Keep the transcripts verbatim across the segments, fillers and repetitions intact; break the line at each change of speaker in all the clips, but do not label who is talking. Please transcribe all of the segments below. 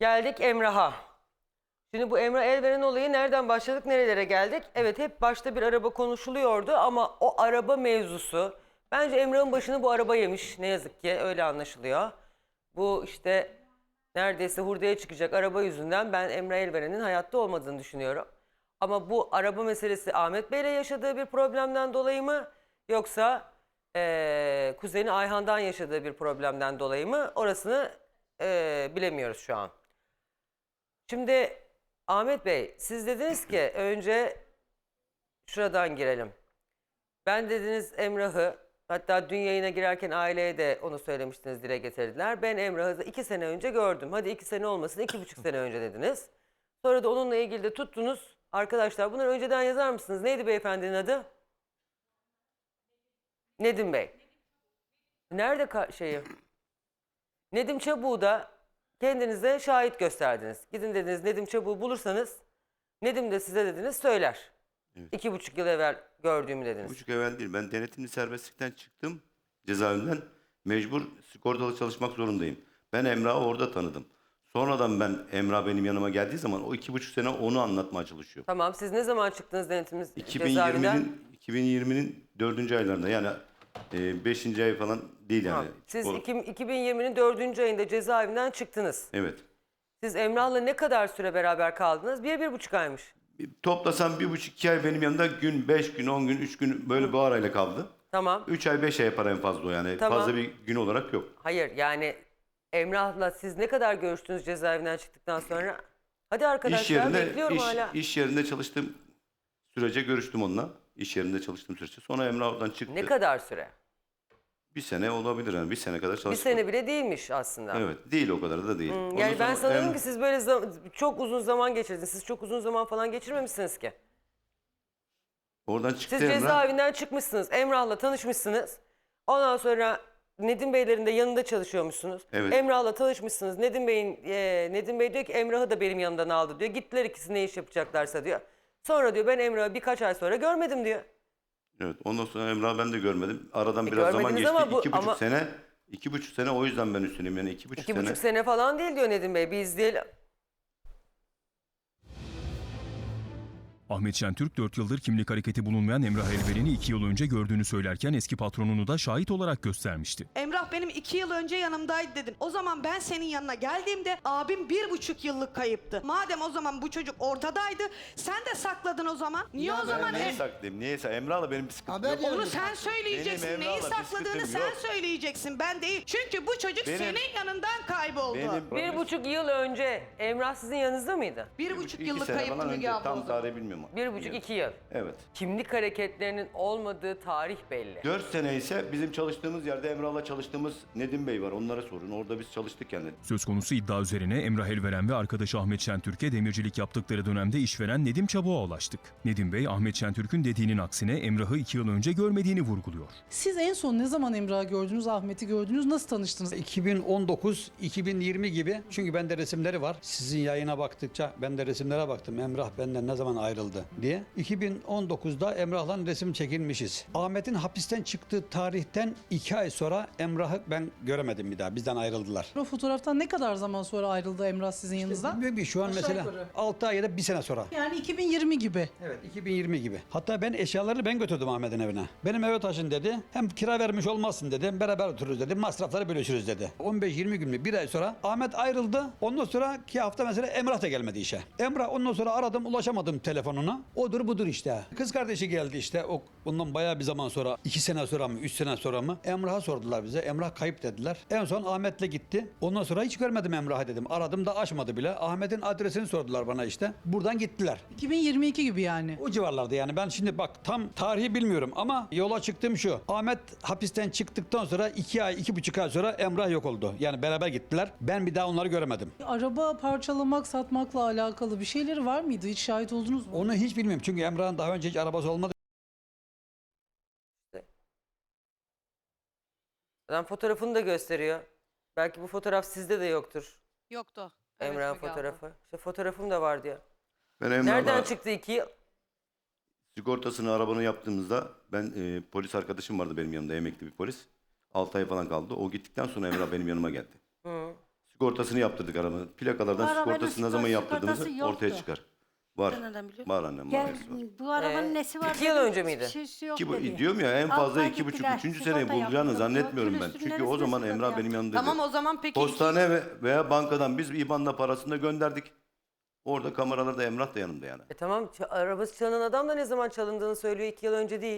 Geldik Emrah'a. Şimdi bu Emrah Elveren olayı nereden başladık, nerelere geldik? Evet, hep başta bir araba konuşuluyordu ama o araba mevzusu... Bence Emrah'ın başını bu araba yemiş, ne yazık ki öyle anlaşılıyor. Bu işte neredeyse hurdaya çıkacak araba yüzünden ben Emrah Elveren'in hayatta olmadığını düşünüyorum. Ama bu araba meselesi Ahmet Bey'le yaşadığı bir problemden dolayı mı? Yoksa ee, kuzeni Ayhan'dan yaşadığı bir problemden dolayı mı? Orasını ee, bilemiyoruz şu an. Şimdi Ahmet Bey, siz dediniz ki önce şuradan girelim. Ben dediniz Emrah'ı, hatta dün yayına girerken aileye de onu söylemiştiniz, dile getirdiler. Ben Emrah'ı iki sene önce gördüm. Hadi iki sene olmasın, iki buçuk sene önce dediniz. Sonra da onunla ilgili de tuttunuz. Arkadaşlar bunları önceden yazar mısınız? Neydi beyefendinin adı? Nedim Bey. Nerede şeyi? Nedim Çabuk'u da kendinize şahit gösterdiniz. Gidin dediniz, Nedim Çabuk'u bulursanız Nedim de size dediniz söyler. Evet. İki buçuk yıl evvel gördüğümü dediniz.
İki buçuk evvel değil. Ben denetimli serbestlikten çıktım cezaevinden. Mecbur sigortalı çalışmak zorundayım. Ben Emrah'ı orada tanıdım. Sonradan ben Emrah benim yanıma geldiği zaman o iki buçuk sene onu anlatmaya çalışıyor.
Tamam, siz ne zaman çıktınız denetimli
iki bin yirminin,
cezaevinden?
iki bin yirminin dördüncü aylarında, yani e, beşinci ay falan değil yani.
Tamam. Siz
o...
iki bin yirminin dördüncü ayında cezaevinden çıktınız.
Evet.
Siz Emrah'la ne kadar süre beraber kaldınız? Bir, bir buçuk aymış.
Toplasam bir buçuk iki ay benim yanımda gün, beş gün, on gün, üç gün böyle bu arayla kaldı.
Tamam.
Üç ay, beş ay yapar en fazla o yani.
Tamam.
Fazla bir gün olarak yok.
Hayır, yani Emrah'la siz ne kadar görüştünüz cezaevinden çıktıktan sonra? Hadi arkadaşlar,
İş yerinde,
bekliyorum
iş,
hala.
iş yerinde çalıştığım sürece görüştüm onunla. İş yerinde çalıştığım sürece. Sonra Emrah oradan çıktı.
Ne kadar süre?
Bir sene olabilir yani. Bir sene kadar çalıştım.
Bir sene bile değilmiş aslında.
Evet. Değil, o kadar da değil.
Hmm, yani ben
sonra
sanıyorum
Em-
ki siz böyle zam- çok uzun zaman geçirdiniz. Siz çok uzun zaman falan geçirmemişsiniz ki.
Oradan çıktı
Siz
Emrah.
cezaevinden çıkmışsınız. Emrah'la tanışmışsınız. Ondan sonra Nedim Beylerin de yanında çalışıyormuşsunuz.
Evet.
Emrah'la tanışmışsınız. Nedim Bey'in e, Nedim Bey diyor ki Emrah'ı da benim yanımdan aldı diyor. Gittiler ikisi ne iş yapacaklarsa diyor. Sonra diyor ben Emrah'ı birkaç ay sonra görmedim diyor.
Evet. Ondan sonra Emrah'ı ben de görmedim. Aradan
E,
biraz zaman
görmediniz
geçti.
ama bu-
iki buçuk
ama-
sene. İki buçuk sene o yüzden ben üstüneyim. Yani iki buçuk
İki
sene.
buçuk sene falan değil diyor Nedim Bey. Biz değil.
Ahmet Şentürk dört yıldır kimlik hareketi bulunmayan Emrah Elveren'i iki yıl önce gördüğünü söylerken eski patronunu da şahit olarak göstermişti.
Emrah benim iki yıl önce yanımdaydı dedim. O zaman ben senin yanına geldiğimde abim bir buçuk yıllık kayıptı. Madem o zaman bu çocuk ortadaydı, sen de sakladın o zaman. Niye
Ya
o zaman
ben neyi
em-
saklayayım? Niyeyse Emrah'la benim bir sıkıntım
Haber
yok.
Onu sen söyleyeceksin.
Benim
Neyi
Emrah'la bir
sakladığını
sıkıntım
sen
yok.
söyleyeceksin. Ben değil. Çünkü bu çocuk
Benim-
senin yanından kayboldu.
Benim
Bir buçuk yıl önce Emrah sizin yanınızda mıydı?
bir buçuk
iki
yıllık
sene
kayıptı
falan
Müge
önce.
abla o
Tam
zaman.
tarihi bilmiyorum.
Bir buçuk iki yıl.
Evet.
Kimlik hareketlerinin olmadığı tarih belli.
Dört sene ise bizim çalıştığımız yerde Emrah'la çalıştığımız Nedim Bey var. Onlara sorun. Orada biz çalıştık yani.
Söz konusu iddia üzerine Emrah Elveren ve arkadaşı Ahmet Şentürk'e demircilik yaptıkları dönemde işveren Nedim Çabuk'a ulaştık. Nedim Bey, Ahmet Şentürk'ün dediğinin aksine Emrah'ı iki yıl önce görmediğini vurguluyor.
Siz en son ne zaman Emrah'ı gördünüz, Ahmet'i gördünüz, nasıl tanıştınız?
iki bin on dokuz iki bin yirmi gibi, çünkü bende resimleri var. Sizin yayına baktıkça ben de resimlere baktım. Emrah benden ne zaman ayrıldı diye. iki bin on dokuzda Emrah'la resim çekilmişiz. Ahmet'in hapisten çıktığı tarihten iki ay sonra Emrah'ı ben göremedim bir daha. Bizden ayrıldılar.
O fotoğraftan ne kadar zaman sonra ayrıldı Emrah sizin yanınızdan?
Bilmiyorum ki, şu an
Aşağı
mesela
yukarı.
altı ay ya da bir sene sonra.
Yani iki bin yirmi gibi.
Evet, iki bin yirmi gibi. Hatta ben eşyaları ben götürdüm Ahmet'in evine. Benim eve taşın dedi. Hem kira vermiş olmazsın dedi. Beraber otururuz dedi. Masrafları bölüşürüz dedi. on beş yirmi gün mü, bir ay sonra Ahmet ayrıldı. Ondan sonraki hafta mesela Emrah da gelmedi işe. Emrah, ondan sonra aradım, ulaşamadım telefonuna. Odur budur işte. Kız kardeşi geldi işte. O bundan bayağı bir zaman sonra, iki sene sonra mı, üç sene sonra mı? Emrah'a sordular bize. Emrah kayıp dediler. En son Ahmet'le gitti. Ondan sonra hiç görmedim Emrah'ı dedim. Aradım da açmadı bile. Ahmet'in adresini sordular bana işte. Buradan gittiler.
iki bin yirmi iki gibi yani.
O civarlarda yani. Ben şimdi bak tam tarihi bilmiyorum ama yola çıktığım şu. Ahmet hapisten çıktıktan sonra iki ay, iki buçuk ay sonra Emrah yok oldu. Yani beraber gittiler. Ben bir daha onları göremedim.
Araba parçalamak, satmakla alakalı bir şeyleri var mıydı? Hiç şahit oldunuz mu?
Onu hiç bilmiyorum. Çünkü Emrah'ın daha önce hiç arabası olmadı.
Adam fotoğrafını da gösteriyor. Belki bu fotoğraf sizde de yoktur.
Yoktu.
Emrah'ın fotoğrafı. İşte fotoğrafım da var diyor.
Ben Emrah'la
Nereden çıktı iki yıl?
sigortasını, arabanı yaptığımızda ben e, polis arkadaşım vardı benim yanımda, emekli bir polis. altı ay falan kaldı. O gittikten sonra Emrah benim yanıma geldi.
Hı.
Sigortasını yaptırdık arabanın. Plakalardan
Bu arabanın
sigortasını ne zaman
sigortası
yaptırdığımızı
yoktu.
ortaya çıkar. Var.
Nereden biliyorsun?
Var annem var.
Gel,
hepsi var.
bu arabanın
Ee,
nesi var?
iki yıl
dedim,
önce miydi?
hiçbir şeysi yok
İki, bu-
dedi.
diyorum ya en fazla
Almaya
iki buçuk,
gittiler,
üçüncü
sigorta
seneyi bulacağını
yaptırdı.
zannetmiyorum ben.
Külüstürün
Çünkü o
neresine
zaman
sigorta
Emrah benim
yaptı?
yanımdaydı.
Tamam o zaman peki
Postane ve veya bankadan biz İBAN'la parasını da gönderdik. Orada kameralarda Emrah da yanımda yani.
E tamam, ç- arabası çalınan adam da ne zaman çalındığını söylüyor, iki yıl önce değil.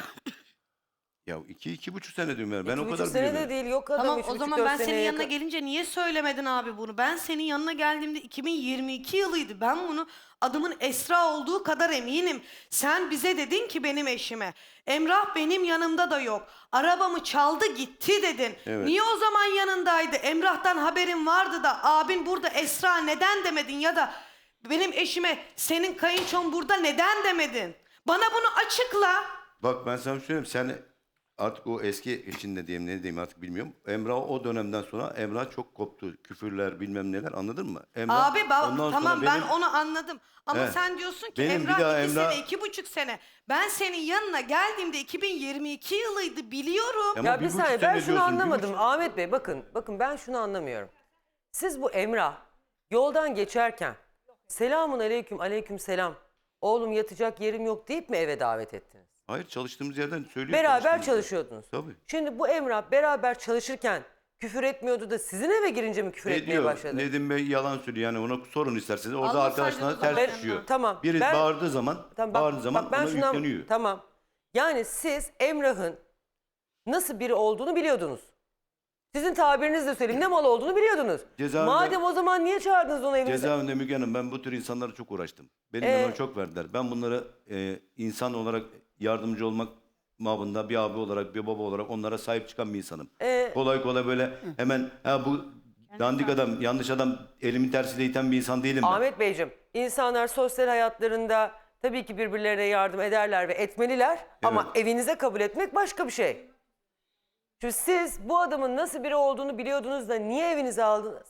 Ya iki, iki buçuk sene diyorum yani. Ben
İki
o
buçuk
kadar
sene de
biliyorum.
değil, yok adam
Tamam
üç
o
buçuk,
zaman
dört
ben senin
seneye
yanına
yakın.
gelince niye söylemedin abi bunu? Ben senin yanına geldiğimde iki bin yirmi iki yılıydı. Ben bunu adımın Esra olduğu kadar eminim. Sen bize dedin ki benim eşime Emrah benim yanımda da yok. Arabamı çaldı gitti dedin.
Evet.
Niye o zaman yanındaydı? Emrah'tan haberin vardı da abin burada Esra neden demedin ya da benim eşime senin kayınçon burada neden demedin? Bana bunu açıkla.
Bak ben sana söyleyeyim sen artık o eski içinde diyeyim ne diyeyim artık bilmiyorum. Emrah o dönemden sonra Emrah çok koptu. Küfürler bilmem neler anladın mı? Emrah,
Abi ba-
ondan sonra
tamam ben
benim-
onu anladım. Ama
Evet.
sen diyorsun ki
Benim bir
Emrah
daha
iki
Emrah-
sene, iki buçuk sene. Ben senin yanına geldiğimde iki bin yirmi iki yılıydı biliyorum.
Ama
Ya bir
buçuk
saniye,
sene
ben şunu
diyorsun, bir
anlamadım
buçuk-
Ahmet Bey, bakın bakın ben şunu anlamıyorum. Siz bu Emrah yoldan geçerken selamun aleyküm aleyküm selam, oğlum yatacak yerim yok deyip mi eve davet ettiniz?
Hayır çalıştığımız yerden söylüyor.
Beraber
çalıştığımız yer.
çalışıyordunuz.
Tabii.
Şimdi bu Emrah beraber çalışırken küfür etmiyordu da sizin eve girince mi küfür
Ne
etmeye
diyor?
başladı?
Nedim Bey yalan söylüyor yani ona sorun isterseniz. Orada
Almasaydınız
arkadaşlarına
da
ters
ben-
düşüyor.
Tamam,
Biri
ben-
bağırdığı zaman,
Tamam, bak-
bağırdığı zaman
bak ben
ona
şuna-
yükleniyor.
Tamam. Yani siz Emrah'ın nasıl biri olduğunu biliyordunuz. Sizin tabirinizle söyleyeyim, ne mal olduğunu biliyordunuz.
Cezaevinde-
Madem o zaman niye çağırdınız onu evinize?
Cezaevinde Müge Hanım ben bu tür insanlara çok uğraştım. Benim
Ee?
yanıma çok verdiler. Ben bunlara e, insan olarak yardımcı olmak mabında bir abi olarak bir baba olarak onlara sahip çıkan bir insanım.
Ee?
Kolay kolay böyle hemen ha bu dandik adam yanlış adam elimin tersiyle iten bir insan değilim ben.
Ahmet Beyciğim, insanlar sosyal hayatlarında tabii ki birbirlerine yardım ederler ve etmeliler. Ama evinize kabul etmek başka bir şey. Şimdi siz bu adamın nasıl biri olduğunu biliyordunuz da niye evinize aldınız?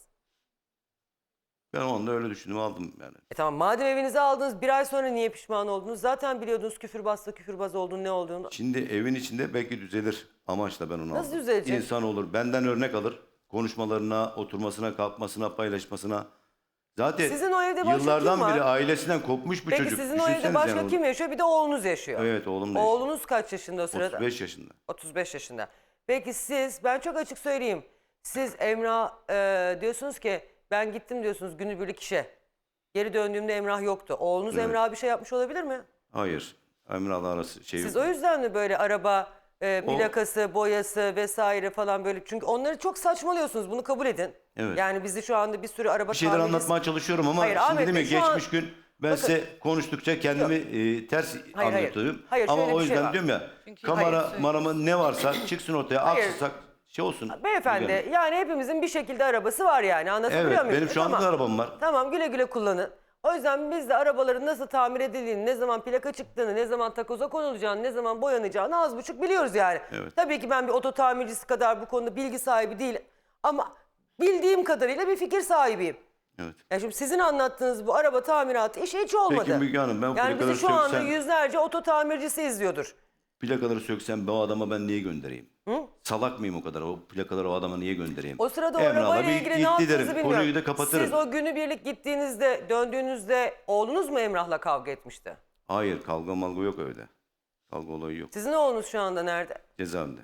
Ben o anda öyle düşündüm aldım yani.
E tamam, madem evinize aldınız, bir ay sonra niye pişman oldunuz? Zaten biliyordunuz küfürbazla küfürbaz olduğunu, ne olduğunu.
Şimdi evin içinde belki düzelir amaçla ben onu
Nasıl
aldım.
düzelecek?
İnsan olur benden örnek alır. Konuşmalarına, oturmasına, kalkmasına, paylaşmasına. Zaten
Sizin o evde başka
yıllardan
kim var?
beri ailesinden kopmuş bir
Peki
çocuk.
sizin o evde
Düşünsenize
başka
yani
kim yaşıyor? Bir de oğlunuz yaşıyor.
Evet oğlum da yaşıyor.
Oğlunuz kaç yaşında o sırada?
otuz beş yaşında.
otuz beş yaşında. Peki siz, ben çok açık söyleyeyim. Siz Emrah e, diyorsunuz ki ben gittim diyorsunuz günübirlik işe. Geri döndüğümde Emrah yoktu. Oğlunuz
Evet.
Emrah'a bir şey yapmış olabilir mi?
Hayır. Emrah'la arası şey
Siz
yok.
o yüzden mi böyle araba e,
O-
plakası, boyası vesaire falan böyle? Çünkü onları çok saçmalıyorsunuz, bunu kabul edin.
Evet.
Yani bizi şu anda bir sürü araba
Bir şeyler
tamircisi-
anlatmaya çalışıyorum ama
Hayır,
şimdi
Ahmet
dedim ya
Bey, şu an-
geçmiş gün ben
Bakın-
size konuştukça kendimi e, ters
hayır.
anlatıyorum.
Hayır,
ama
şöyle
o
bir şey
yüzden
var.
diyorum ya
Çünkü-
kamera
Hayır,
marama ne varsa çıksın ortaya
Hayır.
aksırsak şey olsun.
Beyefendi
Yani.
yani hepimizin bir şekilde arabası var yani, anlatabiliyor
Evet
muyum?
benim şu anda
Tamam.
da arabam var.
Tamam, güle güle kullanın. O yüzden biz de arabaların nasıl tamir edildiğini, ne zaman plaka çıktığını, ne zaman takoza konulacağını, ne zaman boyanacağını az buçuk biliyoruz yani.
Evet.
Tabii ki ben bir oto tamircisi kadar bu konuda bilgi sahibi değilim. Ama bildiğim kadarıyla bir fikir sahibiyim.
Evet.
Ya şimdi sizin anlattığınız bu araba tamiratı işi hiç olmadı.
Peki Müge Hanım ben
yani
plakaları
bizi şu anda
söksem,
yüzlerce oto tamircisi izliyordur.
plakaları söksem ben o adama ben niye göndereyim? Salak mıyım o kadar? O plakaları o adama niye göndereyim?
O sırada o
Emrah'la
arabayla
bir
ilgili ne
gitti
yaptığınızı
derim.
bilmiyorum.
Konuyu da kapatırım.
Siz o günübirlik gittiğinizde, döndüğünüzde oğlunuz mu Emrah'la kavga etmişti?
Hayır kavga malga yok öyle. Kavga olayı yok.
Sizin oğlunuz şu anda nerede?
Cezaevinde.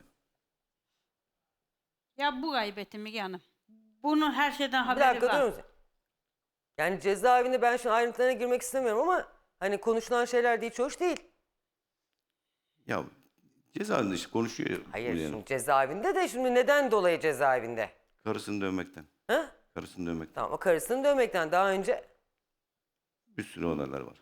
Ya bu gaybetim Müge Hanım. Bunun her şeyden
Bir
haberi
dakika
var.
durur musun? Yani cezaevinde ben şimdi ayrıntılarına girmek istemiyorum ama hani konuşulan şeyler de hiç hoş değil.
Ya cezaevinde işte konuşuyor.
Hayır
yani.
şimdi cezaevinde de şimdi neden dolayı cezaevinde?
Karısını dövmekten.
Ha?
Karısını dövmekten.
Tamam, o karısını dövmekten daha önce...
Bir sürü olaylar var.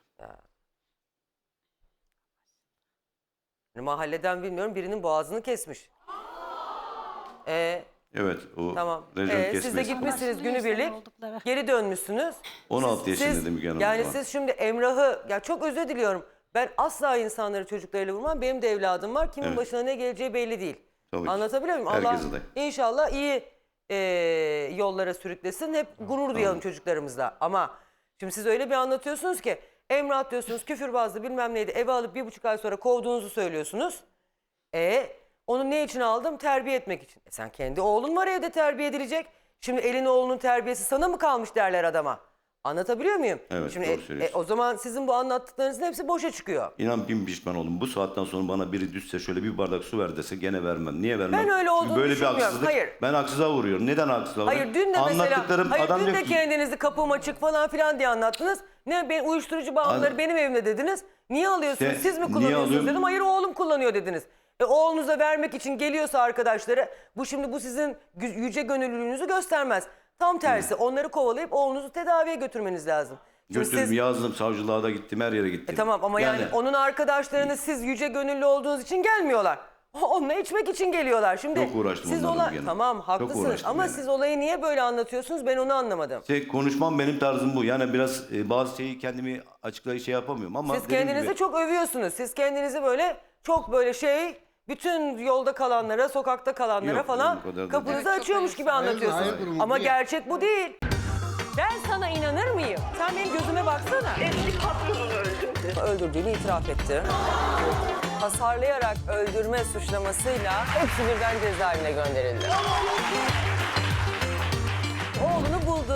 Hani mahalleden bilmiyorum birinin boğazını kesmiş. Ee,
Evet o
tamam.
rejim
Ee, siz de
kesmesi.
gitmişsiniz
Anlaşılıyor
günübirlik.
sen oldukları.
Geri dönmüşsünüz.
on altı
Siz-
yaşında
siz-
dedim Müge Hanım.
Yani
o zaman.
siz şimdi Emrah'ı, ya çok özür diliyorum. Ben asla insanları çocuklarıyla vurmam. Benim de evladım var. Kimin
Evet.
başına ne geleceği belli değil.
Tabii ki.
Anlatabiliyor muyum? Allah
Herkese de.
inşallah iyi e, yollara sürüklesin. Hep gurur duyalım çocuklarımızla. Ama şimdi siz öyle bir anlatıyorsunuz ki Emrah diyorsunuz küfürbazdı bilmem neydi. Eve alıp bir buçuk ay sonra kovduğunuzu söylüyorsunuz. E onu ne için aldım? Terbiye etmek için. E sen kendi oğlun var evde terbiye edilecek. Şimdi elin oğlunun terbiyesi sana mı kalmış derler adama. Anlatabiliyor muyum?
Evet,
Şimdi,
doğru
e,
söylüyorsun.
o zaman sizin bu anlattıklarınızın hepsi boşa çıkıyor.
İnan bin pişman oldum. Bu saatten sonra bana biri düşse şöyle bir bardak su ver dese gene vermem. Niye vermem?
Ben öyle
Çünkü
olduğunu
böyle bir
düşünmüyorum.
haksızlık.
Hayır.
Ben haksıza vuruyorum. Neden haksıza vuruyorum?
Hayır dün de mesela,
Anlattıklarım
hayır
adam
dün
diyor
de
ki,
kendinizi kapım açık falan filan diye anlattınız. Ne ben uyuşturucu bağımlıları
An-
benim evimde dediniz. Niye alıyorsunuz?
Se-
Siz mi
niye
kullanıyorsunuz
alıyorum?
dedim. Hayır oğlum kullanıyor dediniz. E oğlunuza vermek için geliyorsa arkadaşları bu şimdi bu sizin gü- yüce gönüllülüğünüzü göstermez. Tam tersi onları kovalayıp oğlunuzu tedaviye götürmeniz lazım. Şimdi
götürdüm,
siz-
yazdım, savcılığa da gittim, her yere gittim.
E tamam ama yani, onun arkadaşlarını siz yüce gönüllü olduğunuz için gelmiyorlar. Onunla içmek için geliyorlar. Şimdi
Çok uğraştım
siz
onlarla
ola-
bir yana.
Tamam
Çok
haklısınız
uğraştım
ama
yani.
siz olayı niye böyle anlatıyorsunuz ben onu anlamadım.
Şey, konuşmam benim tarzım bu. Yani biraz e, bazı şeyi kendimi açıklayıp şey yapamıyorum ama
Siz
dediğim
kendinizi
gibi,
çok övüyorsunuz. Siz kendinizi böyle çok böyle şey bütün yolda kalanlara, sokakta kalanlara
Yok,
falan
o kadar da
kapınızı
değil. Evet, çok
açıyormuş gibi anlatıyorsunuz.
hayır, durumu
Ama
bu.
gerçek bu değil. Ben sana inanır mıyım? Sen benim gözüme baksana.
Eski patronunu öldürdü.
Öldürdüğünü itiraf etti. Hasarlayarak öldürme suçlamasıyla hepsi birden cezaevine gönderildi. Oğlunu buldu.